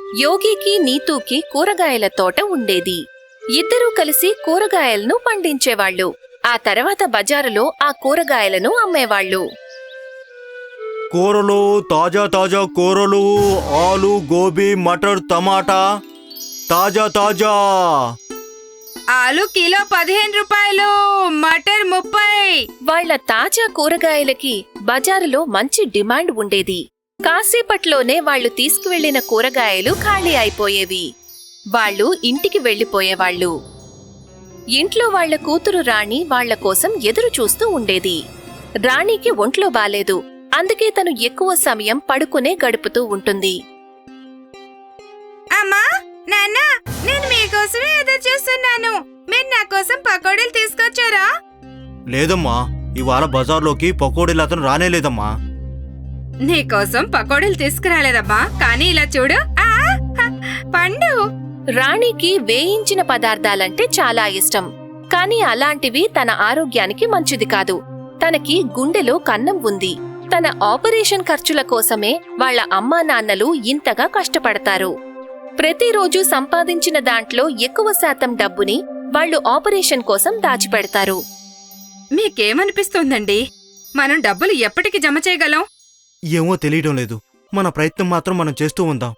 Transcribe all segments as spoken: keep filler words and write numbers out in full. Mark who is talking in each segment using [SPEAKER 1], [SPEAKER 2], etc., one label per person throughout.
[SPEAKER 1] యోగికి నీతూకి కూరగాయల తోట ఉండేది. ఇద్దరూ కలిసి కూరగాయలను పండించేవాళ్లు. ఆ తర్వాత బజారులో ఆ కూరగాయలను అమ్మేవాళ్లు.
[SPEAKER 2] కూరలు, తాజా తాజా కూరలు, ఆలు, గోబీ, మటర్, టమాటా, తాజా తాజా.
[SPEAKER 3] ఆలు కిలో పదిహేను రూపాయలు, మటర్ ముప్పై.
[SPEAKER 1] వాళ్ల తాజా కూరగాయలకి బజారులో మంచి డిమాండ్ ఉండేది. కాసేపట్లోనే వాళ్లు తీసుకువెళ్లిన కూరగాయలు ఖాళీ అయిపోయేవి. వాళ్లు ఇంటికి వెళ్లిపోయేవాళ్లు. ఇంట్లో వాళ్ల కూతురు రాణి వాళ్ల కోసం ఎదురు చూస్తూ ఉండేది. రాణికి ఒంట్లో బాలేదు. అందుకే తను ఎక్కువ సమయం పడుకునే గడుపుతూ ఉంటుంది.
[SPEAKER 3] అమ్మా, నాన్న, నేను మీకోసమే ఎదురు చూస్తున్నాను. మీరు నా కోసం పకోడీలు తీసుకొచ్చారా?
[SPEAKER 2] లేదమ్మా, ఇవాళ బజార్లోకి పకోడీలు అతను రానేలేదమ్మా.
[SPEAKER 3] నీకోసం పకోడీలు తీసుకురాలేదమ్మా, కానీ ఇలా చూడు, ఆ పండు.
[SPEAKER 1] రాణికి వేయించిన పదార్థాలంటే చాలా ఇష్టం. కాని అలాంటివి తన ఆరోగ్యానికి మంచిది కాదు. తనకి గుండెలో కన్నం ఉంది. తన ఆపరేషన్ ఖర్చుల కోసమే వాళ్ల అమ్మా నాన్నలు ఇంతగా కష్టపడతారు. ప్రతిరోజు సంపాదించిన దాంట్లో ఎక్కువ శాతం డబ్బుని వాళ్లు ఆపరేషన్ కోసం దాచిపెడతారు.
[SPEAKER 3] మీకేమనిపిస్తోందండి? మనం డబ్బులు ఎప్పటికి జమ చేయగలం?
[SPEAKER 2] ఏమో తెలియడం లేదు. మన ప్రయత్నం మాత్రం మనం చేస్తూ ఉందాం.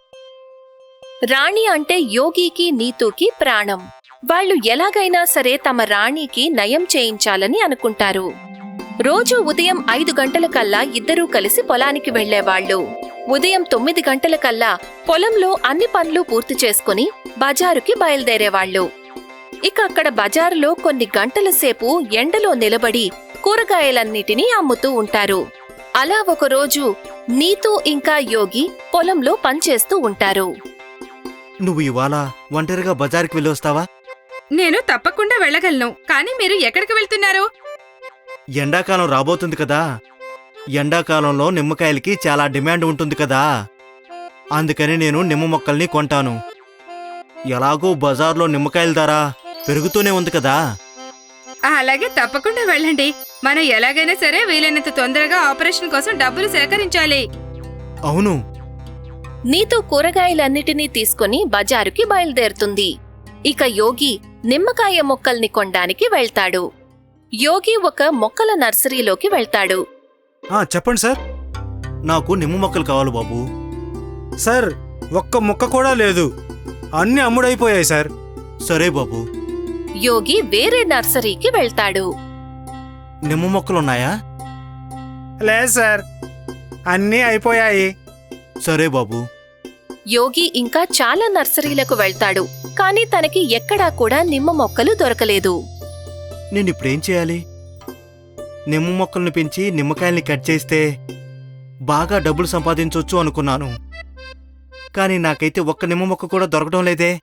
[SPEAKER 1] రాణి అంటే యోగికి నీతూకి ప్రాణం. వాళ్లు ఎలాగైనా సరే తమ రాణికి నయం చేయించాలని అనుకుంటారు. రోజూ ఉదయం ఐదు గంటలకల్లా ఇద్దరూ కలిసి పొలానికి వెళ్లేవాళ్లు. ఉదయం తొమ్మిది గంటలకల్లా పొలంలో అన్ని పనులు పూర్తి చేసుకుని బజారుకి బయలుదేరేవాళ్లు. ఇక అక్కడ బజారులో కొన్ని గంటల సేపు ఎండలో నిలబడి కూరగాయలన్నిటినీ అమ్ముతూ ఉంటారు. అలా ఒకరోజు నీతూ ఇంకా యోగి పొలంలో పనిచేస్తూ ఉంటారు.
[SPEAKER 2] నువ్వు ఇవాళ ఒంటరిగా బజార్కి వెళ్ళి వస్తావా?
[SPEAKER 3] నేను తప్పకుండా వెళ్ళగలను. కానీ మీరు ఎక్కడికి వెళ్తున్నారు?
[SPEAKER 2] ఎండాకాలం రాబోతుంది కదా. ఎండాకాలంలో నిమ్మకాయలకి చాలా డిమాండ్ ఉంటుంది కదా. అందుకని నేను నిమ్మ మొక్కల్ని కొంటాను. ఎలాగో బజార్లో నిమ్మకాయల ధర పెరుగుతూనే ఉంది కదా.
[SPEAKER 3] అలాగే, తప్పకుండా వెళ్ళండి. మనం ఎలాగైనా సరే వీలైనంత తొందరగా ఆపరేషన్ కోసం డబ్బులు సేకరించాలి.
[SPEAKER 2] అవును.
[SPEAKER 1] నీతూ కూరగాయలన్నిటినీ తీసుకుని బజారుకి బయలుదేరుతుంది. ఇక యోగి నిమ్మకాయ మొక్కల్ని కొనడానికి వెళ్తాడు. యోగి ఒక మొక్కల నర్సరీలోకి వెళ్తాడు.
[SPEAKER 2] చెప్పండి సార్. నాకు నిమ్మ మొక్కలు కావాలి బాబు.
[SPEAKER 4] సార్, ఒక్క మొక్క కూడా లేదు. అన్ని అమ్ముడైపోయాయి సార్.
[SPEAKER 2] సరే బాబు.
[SPEAKER 1] యోగి వేరే నర్సరీకి వెళ్తాడు.
[SPEAKER 2] నిమ్మ మొక్కలున్నాయా?
[SPEAKER 4] లేదు సార్, అన్నీ అయిపోయాయి.
[SPEAKER 2] సరే బాబు.
[SPEAKER 1] యోగి ఇంకా చాలా నర్సరీలకు వెళ్తాడు. కాని తనకి ఎక్కడా కూడా నిమ్మ మొక్కలు దొరకలేదు.
[SPEAKER 2] నేనిప్పుడేం చేయాలి? నిమ్మ మొక్కల్ని పెంచి నిమ్మకాయల్ని కట్ చేస్తే బాగా డబ్బులు సంపాదించొచ్చు అనుకున్నాను. కానీ నాకైతే ఒక్క నిమ్మ మొక్క కూడా దొరకడం లేదే.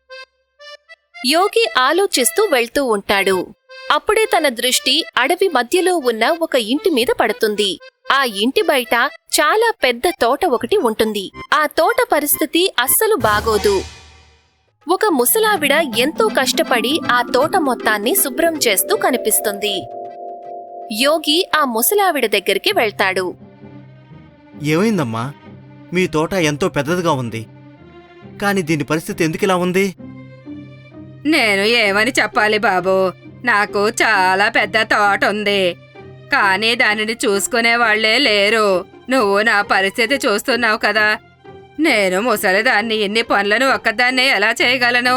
[SPEAKER 1] యోగి ఆలోచిస్తూ వెళ్తూ ఉంటాడు. అప్పుడే తన దృష్టి అడవి మధ్యలో ఉన్న ఒక ఇంటి మీద పడుతుంది. ఆ ఇంటి బయట చాలా పెద్ద తోట ఒకటి ఉంటుంది. ఆ తోట పరిస్థితి అస్సలు బాగోదు. ఒక ముసలావిడ ఎంతో కష్టపడి ఆ తోట మొత్తాన్ని శుభ్రం చేస్తూ కనిపిస్తుంది. యోగి ఆ ముసలావిడ దగ్గరికి వెళ్తాడు.
[SPEAKER 2] ఏమైందమ్మా? మీ తోట ఎంతో పెద్దదిగా ఉంది, కాని దీని పరిస్థితి ఎందుకిలా ఉంది?
[SPEAKER 3] నేను ఏమని చెప్పాలి బాబూ? నాకు చాలా పెద్ద తోట ఉంది, కానీ దానిని చూసుకునే వాళ్లే లేరు. నువ్వు నా పరిస్థితి చూస్తున్నావు కదా. నేను ముసలిదాన్ని ఇన్ని పనులను ఒక్కదాన్నే ఎలా చేయగలను?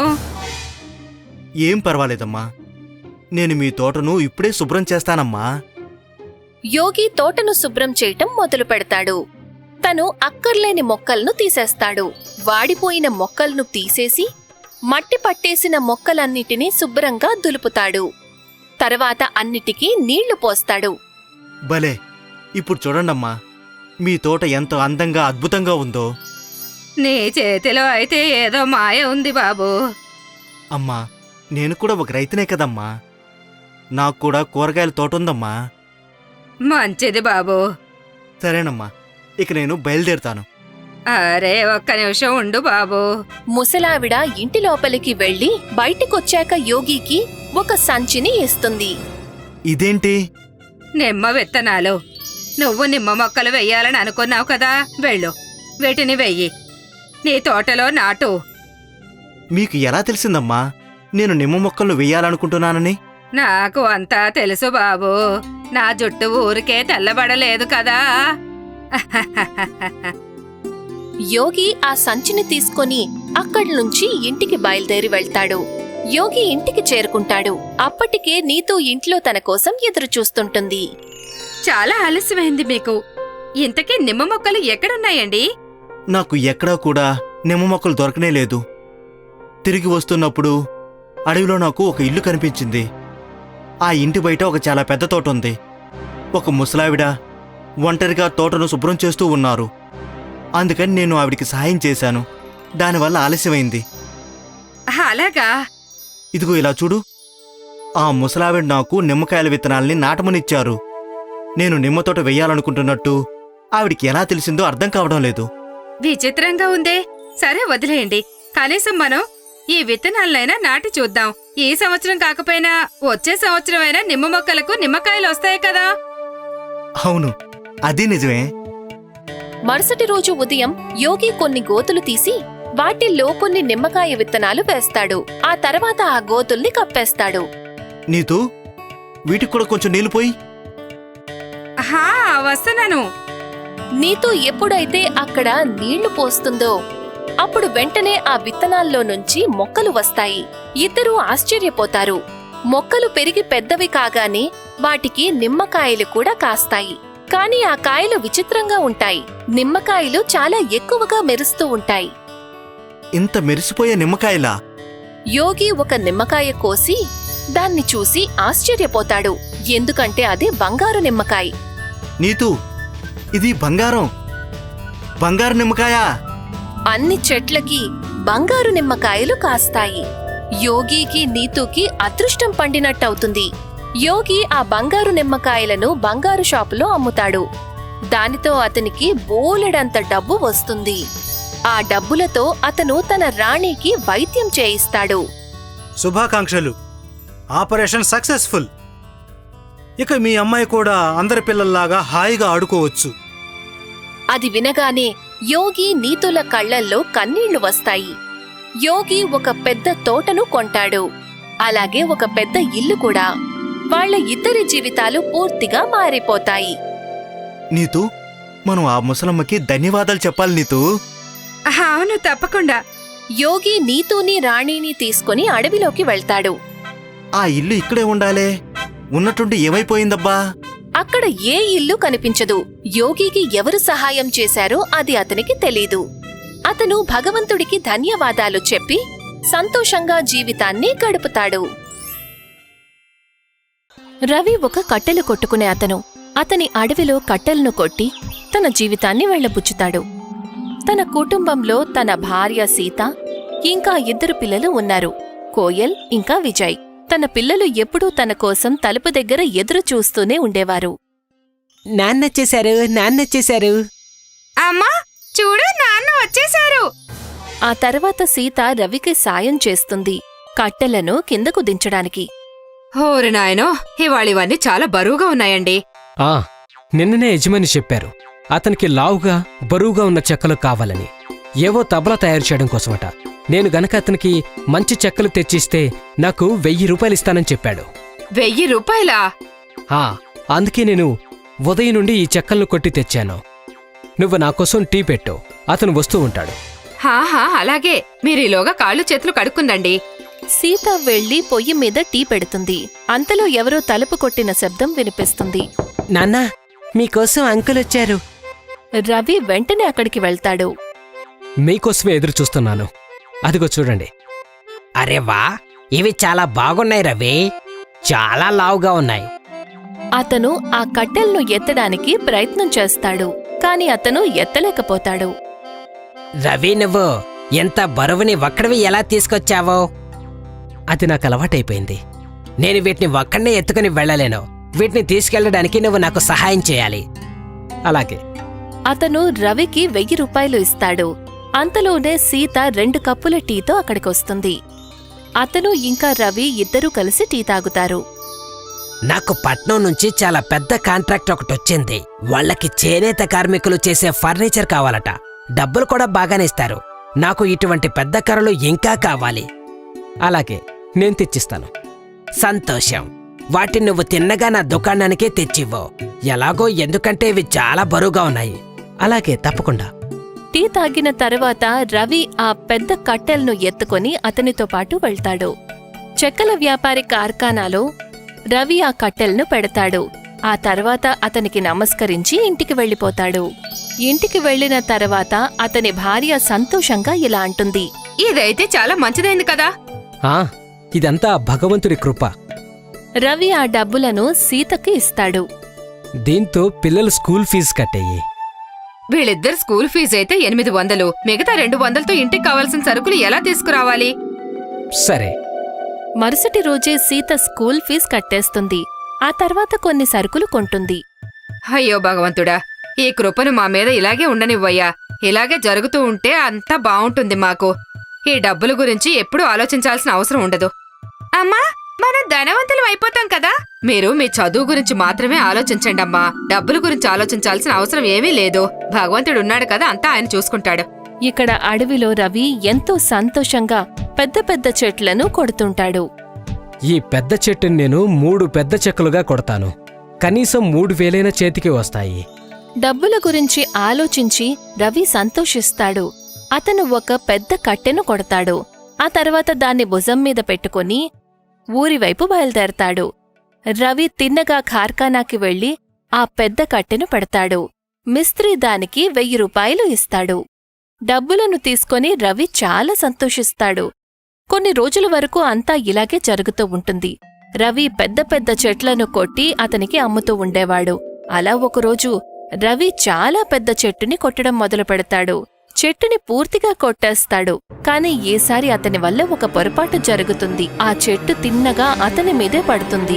[SPEAKER 2] ఏం పర్వాలేదమ్మా, నేను మీ తోటను ఇప్పుడే శుభ్రం చేస్తానమ్మా.
[SPEAKER 1] యోగి తోటను శుభ్రం చేయటం మొదలు పెడతాడు. తను అక్కర్లేని మొక్కలను తీసేస్తాడు. వాడిపోయిన మొక్కలను తీసేసి మట్టి పట్టేసిన మొక్కలన్నిటినీ శుభ్రంగా దులుపుతాడు. తర్వాత అన్నిటికీ నీళ్లు పోస్తాడు.
[SPEAKER 2] భలే! ఇప్పుడు చూడండమ్మా, మీ తోట ఎంత అందంగా అద్భుతంగా ఉందో.
[SPEAKER 3] నీ చేతిలో అయితే ఏదో మాయ ఉంది బాబూ.
[SPEAKER 2] అమ్మా, నేను కూడా ఒక రైతునే కదమ్మా. నాకు కూడా కూరగాయల తోట ఉందమ్మా.
[SPEAKER 3] మంచిది బాబూ.
[SPEAKER 2] సరేనమ్మా, ఇక నేను బయలుదేరుతాను.
[SPEAKER 3] అరే, ఒక్క నిమిషం ఉండు బాబూ.
[SPEAKER 1] ముసలావిడ ఇంటి లోపలికి వెళ్లి బయటికొచ్చాక యోగికి ఒక సంచిని ఇస్తుంది.
[SPEAKER 2] ఇదేంటి?
[SPEAKER 3] నిమ్మ విత్తనాలు. నువ్వు నిమ్మ మొక్కలు వెయ్యాలని అనుకున్నావు కదా, వెళ్ళు, వీటిని వెయ్యి. నీ తోటలో నాటు.
[SPEAKER 2] మీకు ఎలా తెలిసిందమ్మా నేను నిమ్మ మొక్కలు వేయాలనుకుంటున్నానని?
[SPEAKER 3] నాకు అంతా తెలుసు బాబు. నా జుట్టు ఊరికే తెల్లబడలేదు కదా.
[SPEAKER 1] యోగి ఆ సంచిని తీసుకొని అక్కడి నుంచి ఇంటికి బయలుదేరి వెళ్తాడు. యోగి ఇంటికి చేరుకుంటాడు. అప్పటికే నీతూ ఇంట్లో తన కోసం ఎదురు చూస్తుంటుంది.
[SPEAKER 3] చాలా ఆలస్యమైంది మీకు. ఇంతకీ నిమ్మ మొక్కలు ఎక్కడున్నాయండి?
[SPEAKER 2] నాకు ఎక్కడా కూడా నిమ్మ మొక్కలు దొరకనే లేదు. తిరిగి వస్తున్నప్పుడు అడవిలో నాకు ఒక ఇల్లు కనిపించింది. ఆ ఇంటి బయట ఒక చాలా పెద్ద తోట ఉంది. ఒక ముసలావిడ ఒంటరిగా తోటను శుభ్రం చేస్తూ ఉన్నారు. అందుకని నేను ఆవిడికి సహాయం చేశాను. దానివల్ల ఆలస్యమైంది.
[SPEAKER 3] అలాగా?
[SPEAKER 2] ఇదిగో ఇలా చూడు. ఆ ముసలావిడ నాకు నిమ్మకాయల విత్తనాల్ని నాటమనిచ్చారు. నేను నిమ్మ తోట వెయ్యాలనుకుంటున్నట్టు ఆవిడికి ఎలా తెలిసిందో అర్థం కావడం లేదు.
[SPEAKER 3] విచిత్రంగా ఉందే. సరే వదిలేయండి. కనీసం మనం ఈ విత్తనాలనైనా నాటి చూద్దాం. ఈ సంవత్సరం కాకపోయినా వచ్చే సంవత్సరం అయినా నిమ్మ మొక్కలకు నిమ్మకాయలు వస్తాయి కదా.
[SPEAKER 2] అవును, అది నిజమే.
[SPEAKER 1] మరుసటి రోజు ఉదయం యోగి కొన్ని గోతులు తీసి వాటిల్లో కొన్ని నిమ్మకాయ విత్తనాలు వేస్తాడు. ఆ తర్వాత ఆ గోతుల్ని కప్పేస్తాడు.
[SPEAKER 2] నీతూ, వీటికి కూడా కొంచెం నీళ్లు పోయి.
[SPEAKER 3] హా, వస్తున్నాను.
[SPEAKER 1] నీతూ ఎప్పుడైతే అక్కడ నీళ్లు పోస్తుందో అప్పుడు వెంటనే ఆ విత్తనాల్లో నుంచి మొక్కలు వస్తాయి. ఇద్దరూ ఆశ్చర్యపోతారు. మొక్కలు పెరిగి పెద్దవి కాగానే వాటికి నిమ్మకాయలు కూడా కాస్తాయి. కాని ఆ కాయలు విచిత్రంగా ఉంటాయి. నిమ్మకాయలు చాలా ఎక్కువగా మెరుస్తూ ఉంటాయి.
[SPEAKER 2] ఇంత మెరిసిపోయే నిమ్మకాయలా?
[SPEAKER 1] యోగి ఒక నిమ్మకాయ కోసి దాన్ని చూసి ఆశ్చర్యపోతాడు. ఎందుకంటే అది బంగారు నిమ్మకాయ.
[SPEAKER 2] నీతూ, ఇది బంగారం. బంగారు నిమ్మకాయా?
[SPEAKER 1] అన్ని చెట్లకి బంగారు నిమ్మకాయలు కాస్తాయి. యోగికి నీతూకి అదృష్టం పండినట్టవుతుంది. యోగి ఆ బంగారు నిమ్మకాయలను బంగారు షాపులో అమ్ముతాడు. దానితో అతనికి బోలెడంత డబ్బు వస్తుంది. ఆ డబ్బులతో అతను తన రాణికి వైద్యం చేయిస్తాడు.
[SPEAKER 4] శుభాకాంక్షలు. Operation successful. ఇక మీ అమ్మాయి కూడా అందరి పిల్లల్లాగా హాయిగా ఆడుకోవచ్చు.
[SPEAKER 1] అది వినగానే యోగి నీతుల కళ్లల్లో కన్నీళ్లు వస్తాయి. యోగి ఒక పెద్ద తోటను కొంటాడు. అలాగే ఒక పెద్ద ఇల్లు కూడా. వాళ్ళ ఇద్దరి జీవితాలు పూర్తిగా మారిపోతాయి.
[SPEAKER 2] నీతూ, మనం ఆ ముసలమ్మకి ధన్యవాదాలు చెప్పాలి నీతూ.
[SPEAKER 3] అవును, తప్పకుండా.
[SPEAKER 1] యోగి నీతూని రాణిని తీసుకుని అడవిలోకి వెళ్తాడు.
[SPEAKER 2] ఆ ఇల్లు ఇక్కడే ఉండాలే. ఉన్నట్టుండి ఏమైపోయిందబ్బా?
[SPEAKER 1] అక్కడ ఏ ఇల్లు కనిపించదు. యోగికి ఎవరు సహాయం చేశారో అది అతనికి తెలీదు. అతను భగవంతుడికి ధన్యవాదాలు చెప్పి సంతోషంగా జీవితాన్ని గడుపుతాడు. రవి ఒక కట్టెలు కొట్టుకునే అతను. అతని అడవిలో కట్టెలను కొట్టి తన జీవితాన్ని వెళ్లబుచ్చుతాడు. తన కుటుంబంలో తన భార్య సీత ఇంకా ఇద్దరు పిల్లలు ఉన్నారు, కోయల్ ఇంకా విజయ్. తన పిల్లలు ఎప్పుడూ తన కోసం తలుపు దగ్గర ఎదురు చూస్తూనే ఉండేవారు.
[SPEAKER 5] నాన్నొచ్చేశారు, నాన్నొచ్చేశారు.
[SPEAKER 3] అమ్మా, చూడు, నాన్న వచ్చేశారు.
[SPEAKER 1] ఆ తర్వాత సీత రవికి సాయం చేస్తుంది కట్టెలను కిందకు దించడానికి.
[SPEAKER 3] ఓరి నాయనో, ఇవాళ ఇవన్నీ చాలా బరువుగా ఉన్నాయండి.
[SPEAKER 5] ఆ నిన్ననే యజమాని చెప్పారు అతనికి లావుగా బరువుగా ఉన్న చెక్కలు కావాలని. ఏవో తబలా తయారు చేయడం కోసమట. నేను గనక అతనికి మంచి చెక్కలు తెచ్చిస్తే నాకు వెయ్యి రూపాయలు ఇస్తానని చెప్పాడు.
[SPEAKER 3] వెయ్యి రూపాయలా?
[SPEAKER 5] ఆ అందుకే నేను ఉదయం నుండి ఈ చెక్కలను కొట్టి తెచ్చాను. నువ్వు నాకోసం టీ పెట్టు, అతను వస్తూ ఉంటాడు.
[SPEAKER 3] హాహా, అలాగే. మీరీలోగా కాళ్ళు చేతులు కడుక్కుందండి.
[SPEAKER 1] సీత వెళ్లి పొయ్యి మీద టీ పెడుతుంది. అంతలో ఎవరో తలుపు కొట్టిన శబ్దం వినిపిస్తుంది.
[SPEAKER 5] నాన్నా, మీకోసం అంకుల్ వచ్చారు.
[SPEAKER 1] రవి వెంటనే అక్కడికి వెళ్తాడు.
[SPEAKER 5] మీకోసమే ఎదురు చూస్తున్నాను. అదిగో చూడండి. అరే వా, ఇవి చాలా బాగున్నాయి రవి. చాలా లావుగా ఉన్నాయి.
[SPEAKER 1] అతను ఆ కట్టెలను ఎత్తడానికి ప్రయత్నం చేస్తాడు. కాని అతను ఎత్తలేకపోతాడు.
[SPEAKER 5] రవి, నువ్వు ఎంత బరువుని ఒక్కడివి ఎలా తీసుకొచ్చావో? అది నాకు అలవాటైపోయింది. నేను వీటిని ఒక్కడనే ఎత్తుకుని వెళ్ళలేను. వీటిని తీసుకెళ్లడానికి నువ్వు నాకు సహాయం చేయాలి. అలాగే.
[SPEAKER 1] అతను రవికి వెయ్యి రూపాయలు ఇస్తాడు. అంతలోనే సీత రెండు కప్పుల టీతో అక్కడికొస్తుంది. అతను ఇంకా రవి ఇద్దరూ కలిసి టీ తాగుతారు.
[SPEAKER 5] నాకు పట్నం నుంచి చాలా పెద్ద కాంట్రాక్ట్ ఒకటొచ్చింది. వాళ్ళకి చేనేత కార్మికులు చేసే ఫర్నిచర్ కావాలట. డబ్బులు కూడా బాగానే ఇస్తారు. నాకు ఇటువంటి పెద్ద కర్రలు ఇంకా కావాలి. అలాగే నేను తెచ్చిస్తాను. సంతోషం. వాటిని నువ్వు తిన్నగా నా దుకాణానికే తెచ్చివ్వు. ఎలాగో ఎందుకంటే ఇవి చాలా బరువుగా ఉన్నాయి. అలాగే తప్పకుండా.
[SPEAKER 1] టీ తాగిన తర్వాత రవి ఆ పెద్ద కట్టెలను ఎత్తుకొని అతనితో పాటు వెళ్తాడు. చెక్కల వ్యాపారి కార్ఖానాలో రవి ఆ కట్టెలను పెడతాడు. ఆ తర్వాత అతనికి నమస్కరించి ఇంటికి వెళ్ళిపోతాడు. ఇంటికి వెళ్లిన తర్వాత అతని భార్య సంతోషంగా ఇలా అంటుంది.
[SPEAKER 3] ఇదైతే చాలా మంచిదైంది కదా.
[SPEAKER 5] ఆ ఇదంతా భగవంతుడి కృప.
[SPEAKER 1] రవి ఆ డబ్బులను సీతకి ఇస్తాడు.
[SPEAKER 5] దీంతో పిల్లల స్కూల్ ఫీజు కట్టేయి.
[SPEAKER 3] వీళ్ళిద్దరు స్కూల్ ఫీజు అయితే ఎనిమిది వందలు. మిగతా రెండు వందలతో ఇంటికి కావాల్సిన సరుకులు ఎలా తీసుకురావాలి?
[SPEAKER 5] సరే.
[SPEAKER 1] మరుసటి రోజే సీత స్కూల్ ఫీజు కట్టేస్తుంది. ఆ తర్వాత కొన్ని సరుకులు కొంటుంది.
[SPEAKER 3] అయ్యో భగవంతుడా, ఈ కృపను మా మీద ఇలాగే ఉండనివ్వయ్యా. ఇలాగే జరుగుతూ ఉంటే అంతా బావుంటుంది మాకు. ఈ డబ్బుల గురించి ఎప్పుడూ ఆలోచించాల్సిన అవసరం ఉండదు. అమ్మా, మనం ధనవంతులం అయిపోతాం కదా. మీరు మీ చదువు గురించి మాత్రమే ఆలోచించండమ్మా. డబ్బుల గురించి ఆలోచించాల్సిన అవసరం ఏమీ లేదు. భగవంతుడు ఉన్నాడు కదా, అంతా ఆయన చూసుకుంటాడు.
[SPEAKER 1] ఇక్కడ అడవిలో రవి ఎంతో సంతోషంగా పెద్ద పెద్ద చెట్లను కొడుతుంటాడు.
[SPEAKER 5] ఈ పెద్ద చెట్టుని నేను మూడు పెద్ద చెక్కలుగా కొడతాను. కనీసం మూడు వేలైన చేతికి వస్తాయి.
[SPEAKER 1] డబ్బుల గురించి ఆలోచించి రవి సంతోషిస్తాడు. అతను ఒక పెద్ద కట్టెను కొడతాడు. ఆ తర్వాత దాన్ని భుజం మీద పెట్టుకుని ఊరివైపు బయలుదేరతాడు. రవి తిన్నగా కార్ఖానాకి వెళ్లి ఆ పెద్ద కట్టెను పెడతాడు. మిస్త్రీ దానికి వెయ్యి రూపాయలు ఇస్తాడు. డబ్బులను తీసుకొని రవి చాలా సంతోషిస్తాడు. కొన్ని రోజుల వరకు అంతా ఇలాగే జరుగుతూ ఉంటుంది. రవి పెద్ద పెద్ద చెట్లను కొట్టి అతనికి అమ్ముతూ ఉండేవాడు. అలా ఒకరోజు రవి చాలా పెద్ద చెట్టుని కొట్టడం మొదలు పెడతాడు. చెట్టుని పూర్తిగా కొట్టేస్తాడు. కాని ఈసారి అతని వల్ల ఒక పొరపాటు జరుగుతుంది. ఆ చెట్టు తిన్నగా అతని మీదే పడుతుంది.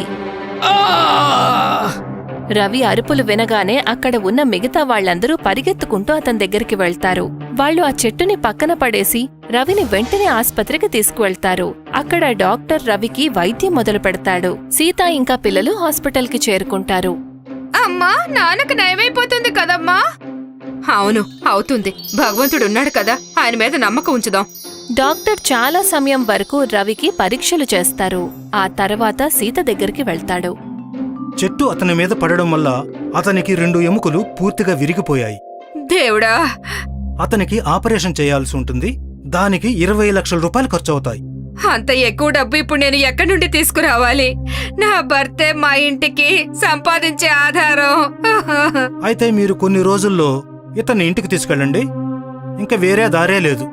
[SPEAKER 1] రవి అరుపులు వినగానే అక్కడ ఉన్న మిగతా వాళ్లందరూ పరిగెత్తుకుంటూ అతని దగ్గరికి వెళ్తారు. వాళ్లు ఆ చెట్టుని పక్కన పడేసి రవిని వెంటనే ఆస్పత్రికి తీసుకువెళ్తారు. అక్కడ డాక్టర్ రవికి వైద్యం మొదలు పెడతాడు. సీత ఇంకా పిల్లలు హాస్పిటల్కి చేరుకుంటారు.
[SPEAKER 3] అమ్మా, నాన్నకు నయమైపోతుంది కదమ్మా. అవును, అవుతుంది. భగవంతుడున్నాడు కదా, ఆయన మీద నమ్మకం ఉంచుదాం.
[SPEAKER 1] డాక్టర్ చాలా సమయం వరకు రవికి పరీక్షలు చేస్తారు. ఆ తర్వాత సీత దగ్గరికి వెళ్తాడు.
[SPEAKER 4] చెట్టు అతని మీద పడడం వల్ల అతనికి రెండు ఎముకలు పూర్తిగా విరిగిపోయాయి.
[SPEAKER 3] దేవుడా,
[SPEAKER 4] అతనికి ఆపరేషన్ చేయాల్సి ఉంటుంది. దానికి ఇరవై లక్షల రూపాయలు ఖర్చవుతాయి.
[SPEAKER 3] అంత ఎక్కువ డబ్బు ఇప్పుడు నేను ఎక్కడి నుండి తీసుకురావాలి? నా భర్తే మా ఇంటికి సంపాదించే ఆధారం.
[SPEAKER 4] అయితే మీరు కొన్ని రోజుల్లో ఇతన్ని ఇంటికి తీసుకెళ్ళండి. ఇంకా వేరే దారే లేదు.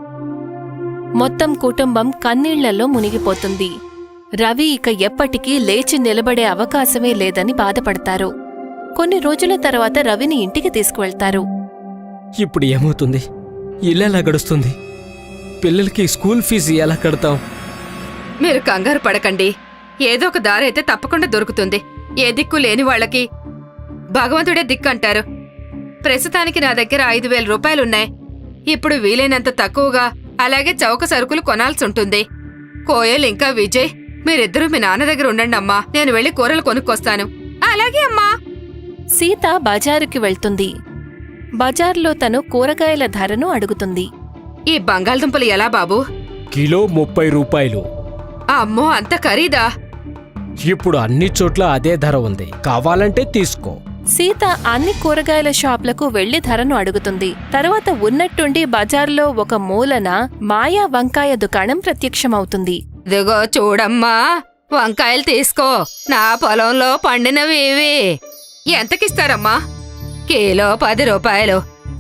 [SPEAKER 1] మొత్తం కుటుంబం కన్నీళ్లలో మునిగిపోతుంది. రవి ఇక ఎప్పటికీ లేచి నిలబడే అవకాశమే లేదని బాధపడతారు. కొన్ని రోజుల తర్వాత రవిని ఇంటికి తీసుకువెళ్తారు.
[SPEAKER 5] ఇప్పుడు ఏమవుతుంది? ఇల్లెలా గడుస్తుంది? పిల్లలకి స్కూల్ ఫీజు ఎలా కడతాం?
[SPEAKER 3] మీరు కంగారు పడకండి. ఏదో ఒక దారి అయితే తప్పకుండా దొరుకుతుంది. ఏ దిక్కు లేని వాళ్ళకి భగవంతుడే దిక్కు అంటారు. ప్రస్తుతానికి నా దగ్గర ఐదు వేల రూపాయలున్నాయి. ఇప్పుడు వీలైనంత తక్కువగా అలాగే చౌక సరుకులు కొనాల్సి ఉంటుంది. కోయల్ ఇంకా విజయ్, మీరిద్దరూ మీ నాన్న దగ్గర ఉండండి అమ్మా. నేను వెళ్లి కూరలు కొనుక్కొస్తాను. అలాగే అమ్మా.
[SPEAKER 1] సీత బజారుకి వెళ్తుంది. బజార్లో తను కూరగాయల ధరను అడుగుతుంది.
[SPEAKER 3] ఈ బంగాళదుంపలు ఎలా బాబూ?
[SPEAKER 5] కిలో ముప్పై రూపాయలు.
[SPEAKER 3] అమ్మో, అంత ఖరీదా?
[SPEAKER 5] ఇప్పుడు అన్ని చోట్ల అదే ధర ఉంది. కావాలంటే తీసుకో.
[SPEAKER 1] సీత అన్ని కూరగాయల షాప్లకు వెళ్లి ధరను అడుగుతుంది. తర్వాత ఉన్నట్టుండి బజార్లో ఒక మూలన మాయా వంకాయ దుకాణం ప్రత్యక్షమవుతుంది.
[SPEAKER 3] ఇదిగో చూడమ్మా, వంకాయలు తీసుకో. నా పొలంలో పండినవి ఇవి. ఎంతకిస్తారమ్మా? కిలో పది రూపాయలు.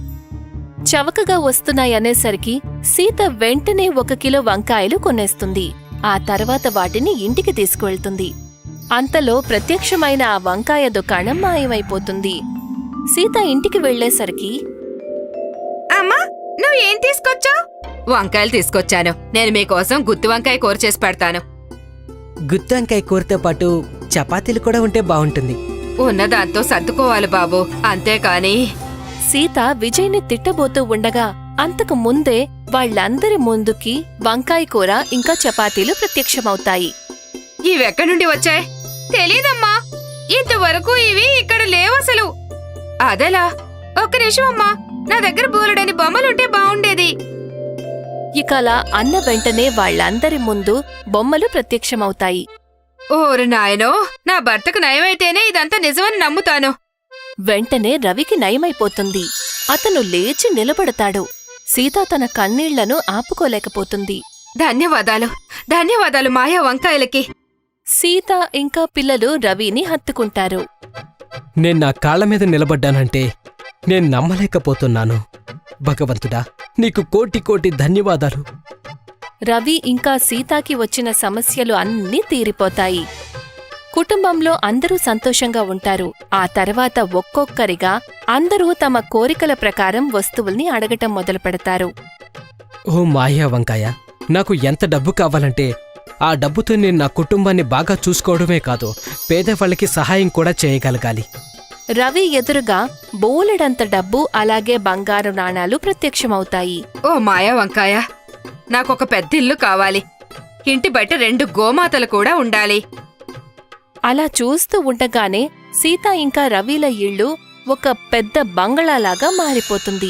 [SPEAKER 1] చవకగా వస్తున్నాయనేసరికి సీత వెంటనే ఒక కిలో వంకాయలు కొనేస్తుంది. ఆ తర్వాత వాటిని ఇంటికి తీసుకువెళ్తుంది. అంతలో ప్రత్యక్షమైన ఆ వంకాయ దుకాణం మాయమైపోతుంది. సీత ఇంటికి వెళ్లేసరికి,
[SPEAKER 3] అమ్మా, నువ్వేం తీసుకొచ్చావు? వంకాయలు తీసుకొచ్చాను. నేను మీకోసం గుత్తి వంకాయ కూర చేసి పెడతాను.
[SPEAKER 5] గుత్తి వంకాయ కూరతో పాటు చపాతీలు కూడా ఉంటే బాగుంటుంది.
[SPEAKER 3] ఉన్నదాంతో సర్దుకోవాలి బాబు, అంతేకాని.
[SPEAKER 1] సీత విజయ్ని తిట్టబోతూ ఉండగా అంతకు ముందే వాళ్లందరి ముందుకి వంకాయ కూర ఇంకా చపాతీలు ప్రత్యక్షమవుతాయి.
[SPEAKER 3] ఇవెక్కడి నుండి వచ్చాయి? తెలీదమ్మా. ఇంతవరకు ఇవి ఇక్కడ లేవసలు. అదెలా? ఒక్క నిమిషం అమ్మా, నా దగ్గర బోలెడని బొమ్మలుంటే బావుండేది.
[SPEAKER 1] ఇక అలా అన్న వెంటనే వాళ్ళందరి ముందు బొమ్మలు ప్రత్యక్షమవుతాయి.
[SPEAKER 3] ఓరి నాయనో, నా భర్తకు నయమైతేనే ఇదంతా నిజమని నమ్ముతాను.
[SPEAKER 1] వెంటనే రవికి నయమైపోతుంది. అతను లేచి నిలబడతాడు. సీత తన కన్నీళ్లను ఆపుకోలేకపోతుంది.
[SPEAKER 3] ధన్యవాదాలు ధన్యవాదాలు మాయా వంకాయలకి.
[SPEAKER 1] సీత ఇంకా పిల్లలు రవిని హత్తుకుంటారు.
[SPEAKER 5] నేను నా కాళ్ల మీద నిలబడ్డానంటే నేను నమ్మలేకపోతున్నాను. భగవంతుడా, నీకు కోటి కోటి ధన్యవాదాలు.
[SPEAKER 1] రవి ఇంకా సీతాకి వచ్చిన సమస్యలు అన్నీ తీరిపోతాయి. కుటుంబంలో అందరూ సంతోషంగా ఉంటారు. ఆ తర్వాత ఒక్కొక్కరిగా అందరూ తమ కోరికల ప్రకారం వస్తువుల్ని అడగటం మొదలుపెడతారు.
[SPEAKER 5] ఓ మాయా వంకాయ, నాకు ఎంత డబ్బు కావాలంటే ఆ డబ్బుతో నేను నా కుటుంబాన్ని బాగా చూసుకోవడమే కాదు, పేదవాళ్ళకి సహాయం కూడా చేయగలగాలి.
[SPEAKER 1] రవి ఎదురుగా బోలెడంత డబ్బు అలాగే బంగారు నాణాలు ప్రత్యక్షమవుతాయి.
[SPEAKER 3] ఓ మాయా వంకాయ, నాకొక పెద్ద ఇల్లు కావాలి. ఇంటి బయట రెండు గోమాతలు కూడా ఉండాలి.
[SPEAKER 1] అలా చూస్తూ ఉండగానే సీత ఇంకా రవిల ఇళ్ళు ఒక పెద్ద బంగళాలాగా మారిపోతుంది.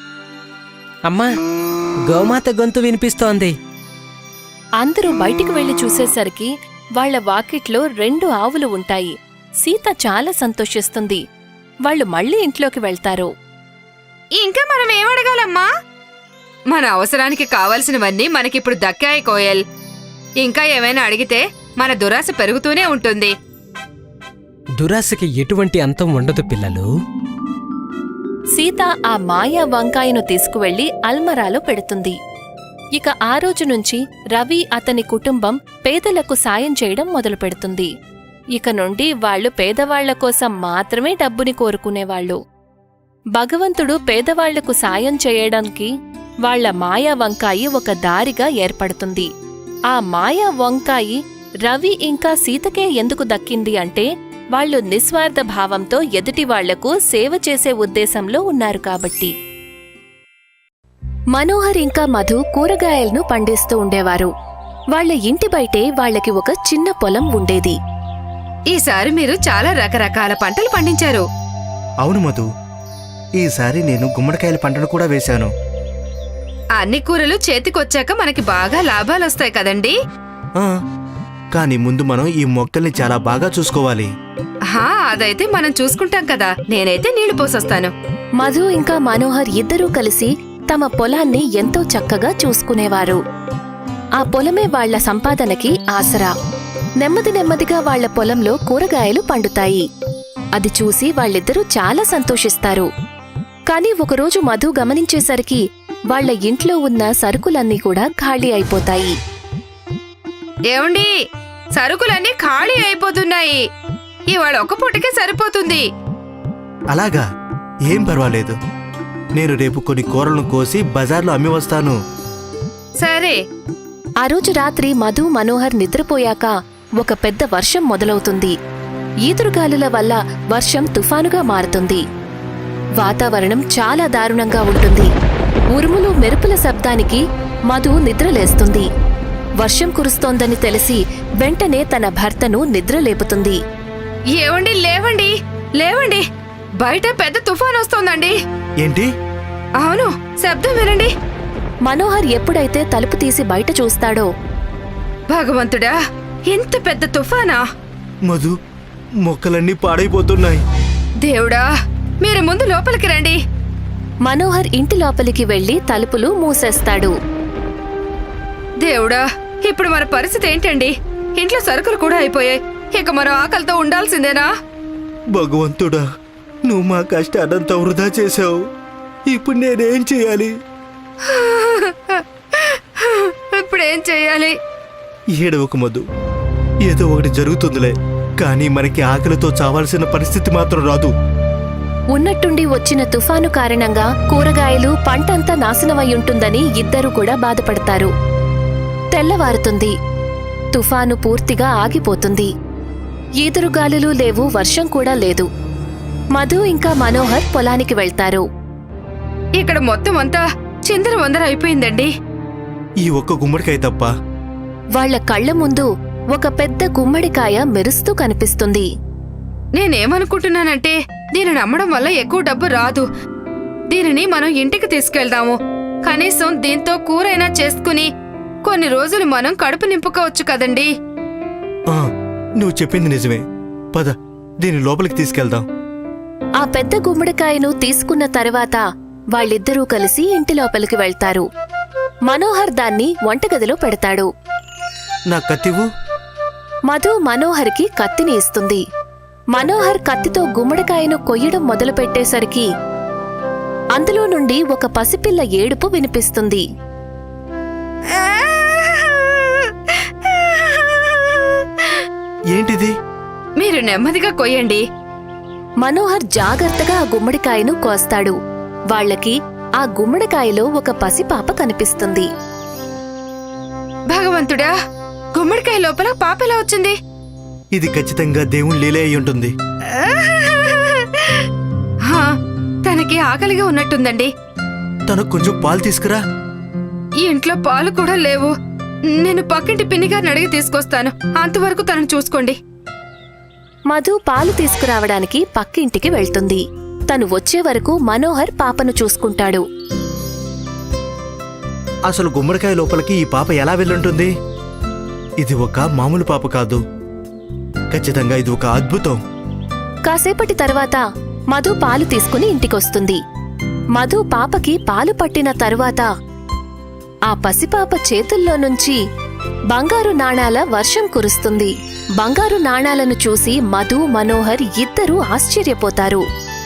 [SPEAKER 5] అమ్మా, గోమాత గొంతు వినిపిస్తోంది.
[SPEAKER 1] అందరూ బయటికి వెళ్లి చూసేసరికి వాళ్ల వాకిట్లో రెండు ఆవులు ఉంటాయి. సీత చాలా సంతోషిస్తుంది. వాళ్ళు మళ్ళీ ఇంట్లోకి వెళ్తారు.
[SPEAKER 3] ఇంకా మనం ఏమడగాలమ్మా? మన అవసరానికి కావలసినవన్నీ మనకిప్పుడు దక్కాయి కోయల్. ఇంకా ఏమైనా అడిగితే మన దురాశ పెరుగుతూనే ఉంటుంది.
[SPEAKER 5] దురాశకి ఎటువంటి అంతం ఉండదు పిల్లలు.
[SPEAKER 1] సీత ఆ మాయా వంకాయను తీసుకువెళ్లి అల్మరాలో పెడుతుంది. ఇక ఆ రోజు నుంచి రవి అతని కుటుంబం పేదలకు సాయం చేయడం మొదలుపెడుతుంది. ఇక నుండి వాళ్లు పేదవాళ్ల కోసం మాత్రమే డబ్బుని కోరుకునేవాళ్లు. భగవంతుడు పేదవాళ్లకు సాయం చేయడానికి వాళ్ల మాయా వంకాయి ఒక దారిగా ఏర్పడుతుంది. ఆ మాయా వంకాయి రవి ఇంకా సీతకే ఎందుకు దక్కింది అంటే వాళ్లు నిస్వార్థ భావంతో ఎదుటివాళ్లకు సేవ చేసే ఉద్దేశంలో ఉన్నారు కాబట్టి. మనోహర్ ఇంకా మధు కూరగాయలను పండిస్తూ ఉండేవారు. వాళ్ల ఇంటి బయటే వాళ్లకి ఒక చిన్న పొలం ఉండేది.
[SPEAKER 3] ఈసారి మీరు చాలా రకరకాల పంటలు పండించారు.
[SPEAKER 2] అవును మధు, ఈసారి నేను గుమ్మడికాయల పంటను కూడా వేశాను.
[SPEAKER 3] అన్ని కూరలు చేతికొచ్చాక మనకి బాగా లాభాలొస్తాయి కదండీ.
[SPEAKER 2] ఆ, కానీ ముందు మనం ఈ మొక్కల్ని చాలా బాగా చూసుకోవాలి.
[SPEAKER 3] హా, అదైతే మనం చూసుకుంటాం కదా. నేనైతే నీళ్లు పోసొస్తాను.
[SPEAKER 1] మధు ఇంకా మనోహర్ ఇద్దరూ కలిసి తమ పొలాన్ని ఎంతో చక్కగా చూసుకునేవారు. ఆ పొలమే వాళ్ల సంపాదనకి ఆసరా. నెమ్మది నెమ్మదిగా వాళ్ల పొలంలో కూరగాయలు పండుతాయి. అది చూసి వాళ్ళిద్దరూ చాలా సంతోషిస్తారు. కాని ఒకరోజు మధు గమనించేసరికి వాళ్ల ఇంట్లో ఉన్న సరుకులన్నీ కూడా ఖాళీ అయిపోతాయి.
[SPEAKER 3] ఏమండి, సరుకులన్నీ ఖాళీ అయిపోతున్నాయి. ఇవాళ ఒక పూటకే సరిపోతుంది.
[SPEAKER 2] అలాగా? ఏం పర్వాలేదు. నేను రేపు కొన్ని కూరలను కోసి బజార్లో అమ్మి వస్తాను.
[SPEAKER 3] సరే.
[SPEAKER 1] ఆ రోజు రాత్రి మధు మనోహర్ నిద్రపోయాక ఒక పెద్ద వర్షం మొదలవుతుంది. ఈదురుగాలుల వల్ల వర్షం తుఫానుగా మారుతుంది. వాతావరణం చాలా దారుణంగా ఉంటుంది. ఉరుములు మెరుపుల శబ్దానికి మధు నిద్రలేస్తుంది. వర్షం కురుస్తోందని తెలిసి వెంటనే తన భర్తను నిద్రలేపుతుంది.
[SPEAKER 3] ఏవండి, లేవండి లేవండి, బయట పెద్ద తుఫాన్ వస్తోందండి.
[SPEAKER 2] ఏంటి?
[SPEAKER 3] అవును, శబ్దం వినండి.
[SPEAKER 1] మనోహర్ ఎప్పుడైతే తలుపు తీసి బయట చూస్తాడో,
[SPEAKER 3] భగవంతుడా, ఎంత పెద్ద తుఫానా!
[SPEAKER 2] మధు, మొక్కలన్నీ పాడైపోతున్నాయి.
[SPEAKER 3] దేవుడా, మీరు ముందు లోపలికి రండి.
[SPEAKER 1] మనోహర్ ఇంటి లోపలికి వెళ్లి తలుపులు మూసేస్తాడు.
[SPEAKER 3] దేవుడా, ఇప్పుడు మన పరిస్థితి ఏంటండి? ఇంట్లో సరుకులు కూడా అయిపోయాయి. ఇక మనం ఆకలితో ఉండాల్సిందేనా?
[SPEAKER 2] భగవంతుడా, నువ్వు మా కష్టాన్నంతా వృధా చేశావు. ఇప్పుడు నేనేం చేయాలి?
[SPEAKER 3] ఇప్పుడేం చెయ్యాలి?
[SPEAKER 2] ఏడవకు మధు, ఏదో ఒకటి జరుగుతుందిలే. కానీ మనకి ఆకలితో చావాల్సిన పరిస్థితి మాత్రం రాదు.
[SPEAKER 1] ఉన్నట్టుండి వచ్చిన తుఫాను కారణంగా కూరగాయలు పంటంతా నాశనమయ్యుంటుందని ఇద్దరూ కూడా బాధపడతారు. తెల్లవారుతుంది. తుఫాను పూర్తిగా ఆగిపోతుంది. ఈదురుగాలులు లేవు, వర్షం కూడా లేదు. మధు ఇంకా మనోహర్ పొలానికి వెళ్తారు.
[SPEAKER 3] ఇక్కడ మొత్తం అంతా చిందర వందర అయిపోయిందండి.
[SPEAKER 2] ఈ ఒక్క గుమ్మడికాయ తప్ప.
[SPEAKER 1] వాళ్ల కళ్ల ముందు ఒక పెద్ద గుమ్మడికాయ మెరుస్తూ కనిపిస్తుంది.
[SPEAKER 3] నేనేమనుకుంటున్నానంటే, దీనిని అమ్మడం వల్ల ఎక్కువ డబ్బు రాదు. దీనిని మనం ఇంటికి తీసుకెళ్దాము. కనీసం దీంతో కూరైనా చేసుకుని కొన్ని రోజులు మనం కడుపు నింపుకోవచ్చు కదండి.
[SPEAKER 2] ఆ, నువ్వు చెప్పింది నిజమే. పద, దీని లోపలికి తీసుకెళ్దాం.
[SPEAKER 1] ఆ పెద్ద గుమ్మడికాయను తీసుకున్న తర్వాత వాళ్ళిద్దరూ కలిసి ఇంటి లోపలికి వెళ్తారు. మనోహర్ దాన్ని వంటగదిలో పెడతాడు.
[SPEAKER 2] నా కత్తివు.
[SPEAKER 1] మధు మనోహర్కి కత్తిని ఇస్తుంది. మనోహర్ కత్తితో గుమ్మడికాయను కొయ్యడం మొదలుపెట్టేసరికి అందులో నుండి ఒక పసిపిల్ల ఏడుపు వినిపిస్తుంది.
[SPEAKER 2] ఏంటిది?
[SPEAKER 3] మీరు నెమ్మదిగా కొయ్యండి.
[SPEAKER 1] మనోహర్ జాగ్రత్తగా ఆ గుమ్మడికాయను కోస్తాడు. వాళ్ళకి ఆ గుమ్మడికాయలో ఒక పసిపాప కనిపిస్తుంది.
[SPEAKER 3] భగవంతుడా, గుమ్మడికాయ లోపల పాప ఎలా వచ్చింది?
[SPEAKER 2] ఇది ఖచ్చితంగా దేవుని లీలే అయి ఉంటుంది.
[SPEAKER 3] హా, తనకి ఆకలిగా ఉన్నట్టుందండి.
[SPEAKER 2] తనకు కొంచెం పాలు తీసుకురా.
[SPEAKER 3] ఈ ఇంట్లో పాలు కూడా లేవు. నేను పక్కింటి పిన్నిగారిని అడిగి తీసుకొస్తాను. అంతవరకు తనను చూసుకోండి.
[SPEAKER 1] మధు పాలు తీసుకురావడానికి పక్కింటికి వెళ్తుంది. తను వచ్చే వరకు మనోహర్ పాపను చూసుకుంటాడు.
[SPEAKER 2] అసలు గుమ్మడికాయ లోపలికి ఈ పాప ఎలా వెళ్ళుంటుంది? ఇది ఒక మామూలు పాప కాదు. ఖచ్చితంగా ఇది ఒక అద్భుతం.
[SPEAKER 1] కాసేపటి తర్వాత మధు పాలు తీసుకుని ఇంటికొస్తుంది. మధు పాపకి పాలు పట్టిన తరువాత ఆ పసిపాప చేతుల్లో నుంచి బంగారు నాణాల వర్షం కురుస్తుంది. బంగారు నాణాలను చూసి మధు మనోహర్ ఇద్దరూ ఆశ్చర్యపోతారు.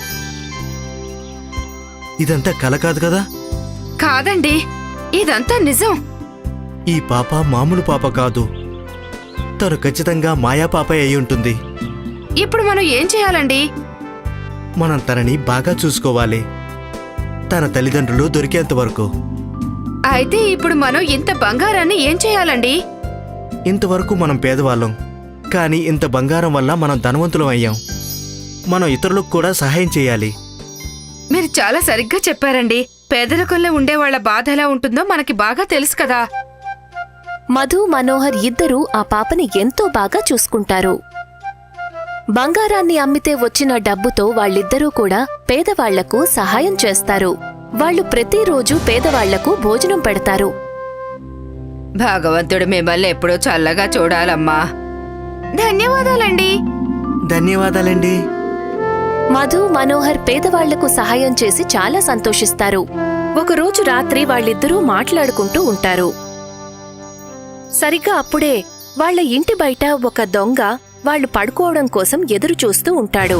[SPEAKER 2] ఇదంతా కల కాదు కదా?
[SPEAKER 3] కాదండి, ఇదంతా నిజం.
[SPEAKER 2] ఈ పాప మామూలు పాప కాదు. తను ఖచ్చితంగా మాయా పాప అయి ఉంటుంది.
[SPEAKER 3] ఇప్పుడు మనం ఏం చేయాలండి?
[SPEAKER 2] మనం తనని బాగా చూసుకోవాలి, తన తల్లిదండ్రులు దొరికేంత వరకు.
[SPEAKER 3] అయితే ఇప్పుడు మనం ఇంత బంగారాన్ని ఏం చేయాలండి?
[SPEAKER 2] ఇంతవరకు మనం పేదవాళ్ళం, కానీ ఇంత బంగారం వల్ల మనం ధనవంతులం అయ్యాం. మనం ఇతరులకు కూడా సహాయం చేయాలి.
[SPEAKER 3] మీరు చాలా సరిగ్గా చెప్పారండి. పేదరికంలో ఉండే వాళ్ళ బాధ ఎలా ఉంటుందో మనకి బాగా తెలుసు కదా.
[SPEAKER 1] మధు మనోహర్ ఇద్దరూ ఆ పాపని ఎంతో బాగా చూసుకుంటారు. బంగారాన్ని అమ్మితే వచ్చిన డబ్బుతో వాళ్ళిద్దరూ కూడా పేదవాళ్లకు సహాయం చేస్తారు. వాళ్ళు ప్రతిరోజు పేదవాళ్లకు భోజనం పెడతారు.
[SPEAKER 3] భగవంతుడు మిమ్మల్ని ఎప్పుడూ చల్లగా చూడాలమ్మా. ధన్యవాదాలండి.
[SPEAKER 2] ధన్యవాదాలండి.
[SPEAKER 1] మధు మనోహర్ పేదవాళ్లకు సహాయం చేసి చాలా సంతోషిస్తారు. ఒకరోజు రాత్రి వాళ్ళిద్దరూ మాట్లాడుకుంటూ ఉంటారు. సరిగ్గా అప్పుడే వాళ్ళ ఇంటి బయట ఒక దొంగ వాళ్ళు పడుకోవడం కోసం ఎదురు చూస్తూ ఉంటాడు.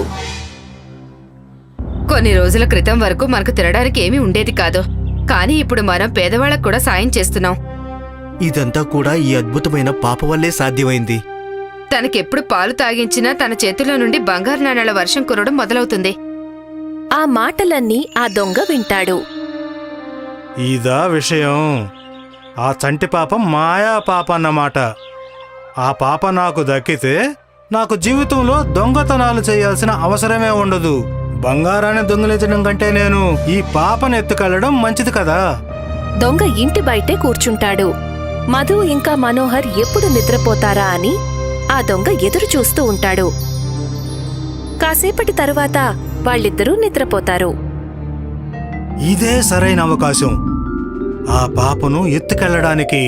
[SPEAKER 3] కొన్ని రోజుల క్రితం వరకు మనకు తినడానికి ఏమీ ఉండేది కాదు, కానీ ఇప్పుడు మనం పేదవాళ్ళకు కూడా సాయం చేస్తున్నాం.
[SPEAKER 2] ఇదంతా కూడా ఈ అద్భుతమైన పాప వల్లే సాధ్యమైంది.
[SPEAKER 3] తనకెప్పుడు పాలు తాగించినా తన చేతిలో నుండి బంగారు నాణాల వర్షం కురవడం మొదలవుతుంది.
[SPEAKER 1] ఆ మాటలన్నీ ఆ దొంగ వింటాడు.
[SPEAKER 4] ఇదా విషయం. ఆ చంటి పాప మాయా పాప అన్నమాట. ఆ పాప నాకు దక్కితే నాకు జీవితంలో దొంగతనాలు చేయాల్సిన అవసరమే ఉండదు. బంగారాన్ని దొంగిలించడం కంటే నేను ఈ పాపను ఎత్తుకెళ్లడం మంచిది కదా.
[SPEAKER 1] దొంగ ఇంటి బయటే కూర్చుంటాడు. మధు ఇంకా మనోహర్ ఎప్పుడు నిద్రపోతారా అని ఆ దొంగ ఎదురు చూస్తూ ఉంటాడు. కాసేపటి తరువాత వాళ్ళిద్దరూ నిద్రపోతారు.
[SPEAKER 4] ఇదే సరైన అవకాశం ఆ పాపను ఎత్తుకెళ్లడానికి.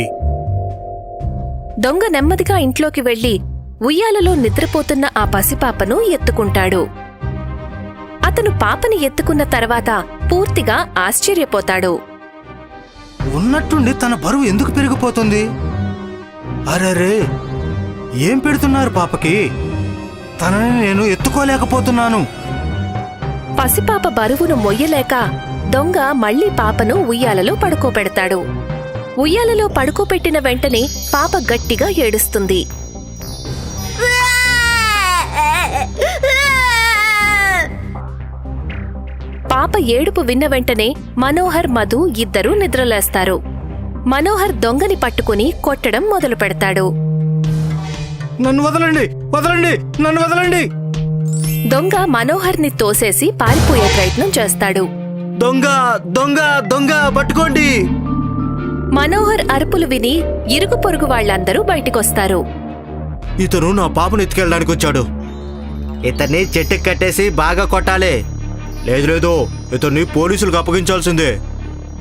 [SPEAKER 1] దొంగ నెమ్మదిగా ఇంట్లోకి వెళ్లి ఉయ్యాలలో నిద్రపోతున్న ఆ పసిపాపను ఎత్తుకుంటాడు. అతను పాపని ఎత్తుకున్న తర్వాత పూర్తిగా ఆశ్చర్యపోతాడు.
[SPEAKER 4] ఉన్నట్టుండి తన బరువు ఎందుకు పెరిగిపోతుంది? అరెరే, ఏం పెడుతున్నారు పాపకి? తనని నేను ఎత్తుకోలేకపోతున్నాను.
[SPEAKER 1] పసిపాప బరువును మొయ్యలేక దొంగ మళ్లీ పాపను ఉయ్యాలలో పడుకోబెడతాడు. ఉయ్యాలలో పడుకోబెట్టిన వెంటనే పాప గట్టిగా ఏడుస్తుంది. పాప ఏడుపు విన్న వెంటనే మనోహర్ మధు ఇద్దరూ నిద్రలేస్తారు. మనోహర్ దొంగని పట్టుకుని కొట్టడం మొదలు పెడతాడు.
[SPEAKER 4] నన్ను వదలండి, వదలండి, నన్ను వదలండి.
[SPEAKER 1] దొంగ మనోహర్ని తోసేసి పారిపోయే ప్రయత్నం చేస్తాడు.
[SPEAKER 2] దొంగ దొంగ దొంగ పట్టుకోండి.
[SPEAKER 1] మనోహర్ అరుపులు విని ఇరుగు పొరుగు వాళ్లందరూ బయటికొస్తారు.
[SPEAKER 2] ఇతను నా పాపను ఎత్తుకెళ్ళడానికి వచ్చాడు. ఇతన్ని చెట్టుకి కట్టేసి బాగా కొట్టాలి. లేదు లేదు, ఇతన్ని పోలీసులకు అప్పగించాల్సిందే.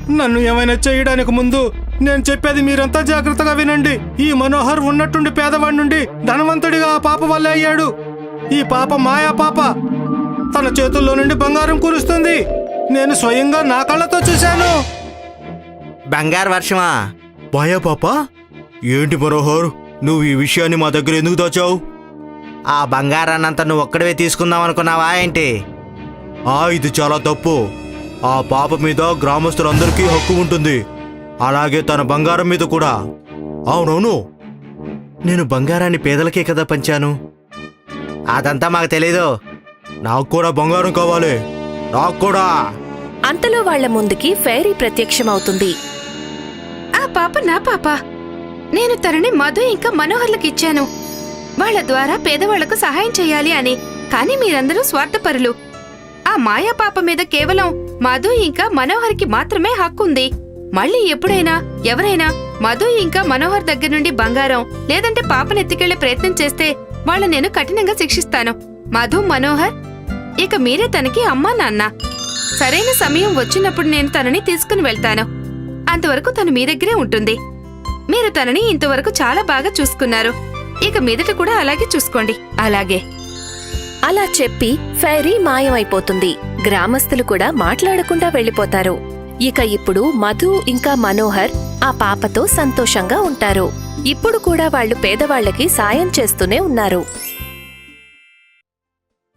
[SPEAKER 4] నన్ను ఏమైనా చేయడానికి ముందు నేను చెప్పేది మీరంతా జాగ్రత్తగా వినండి. ఈ మనోహర్ ఉన్నట్టుండి పేదవాడి నుండి ధనవంతుడిగా ఆ పాప వల్లే అయ్యాడు. ఈ పాప మాయా పాప. తన చేతుల్లో నుండి బంగారం కురుస్తుంది. నేను స్వయంగా నా కళ్ళతో చూశాను.
[SPEAKER 2] బంగారు వర్షమా? మాయా పాప? ఏంటి మనోహర్, నువ్వు ఈ విషయాన్ని మా దగ్గర ఎందుకు దాచావు? ఆ బంగారాన్నంతా నువ్వు ఒక్కడివే తీసుకుందాం అనుకున్నావా ఏంటి? ఆ ఇది చాలా తప్పు. ఆ పాప మీద గ్రామస్తులందరికీ హక్కు ఉంటుంది, అలాగే తన బంగారం మీద కూడా. అవునవును, నేను బంగారాన్ని పేదలకే కదా పంచాను. అదంతా మాకు తెలీదు. నాకు కూడా బంగారం కావాలి, నాకు కూడా.
[SPEAKER 1] అంతలో వాళ్ల ముందుకి ఫెయిరీ ప్రత్యక్షమవుతుంది.
[SPEAKER 3] ఆ పాప నా పాప. నేను తనని మధు ఇంకా మనోహర్లకు ఇచ్చాను, వాళ్ల ద్వారా పేదవాళ్లకు సహాయం చెయ్యాలి అని. కానీ మీరందరూ స్వార్థపరులు. ఆ మాయా పాప మీద కేవలం మధు ఇంకా మనోహర్కి మాత్రమే హక్కుంది. మళ్ళీ ఎప్పుడైనా ఎవరైనా మధు ఇంకా మనోహర్ దగ్గర నుండి బంగారం లేదంటే పాపను ఎత్తుకెళ్లే ప్రయత్నం చేస్తే వాళ్ళ నేను కఠినంగా శిక్షిస్తాను. మధు, మనోహర్, ఇక మీరే తనకి అమ్మా నాన్న. సరైన సమయం వచ్చినప్పుడు నేను తనని తీసుకుని వెళ్తాను. అంతవరకు తను మీ దగ్గరే ఉంటుంది. మీరు తనని ఇంతవరకు చాలా బాగా చూసుకున్నారు, ఇక మీదట కూడా అలాగే చూసుకోండి. అలాగే
[SPEAKER 1] అలా చెప్పి ఫెయిరీ మాయమైపోతుంది. గ్రామస్తులు కూడా మాట్లాడకుండా వెళ్లిపోతారు. ఇక ఇప్పుడు మధు ఇంకా మనోహర్ ఆ పాపతో సంతోషంగా ఉంటారు. ఇప్పుడు కూడా వాళ్ళు పేదవాళ్లకి సాయం చేస్తూనే ఉన్నారు.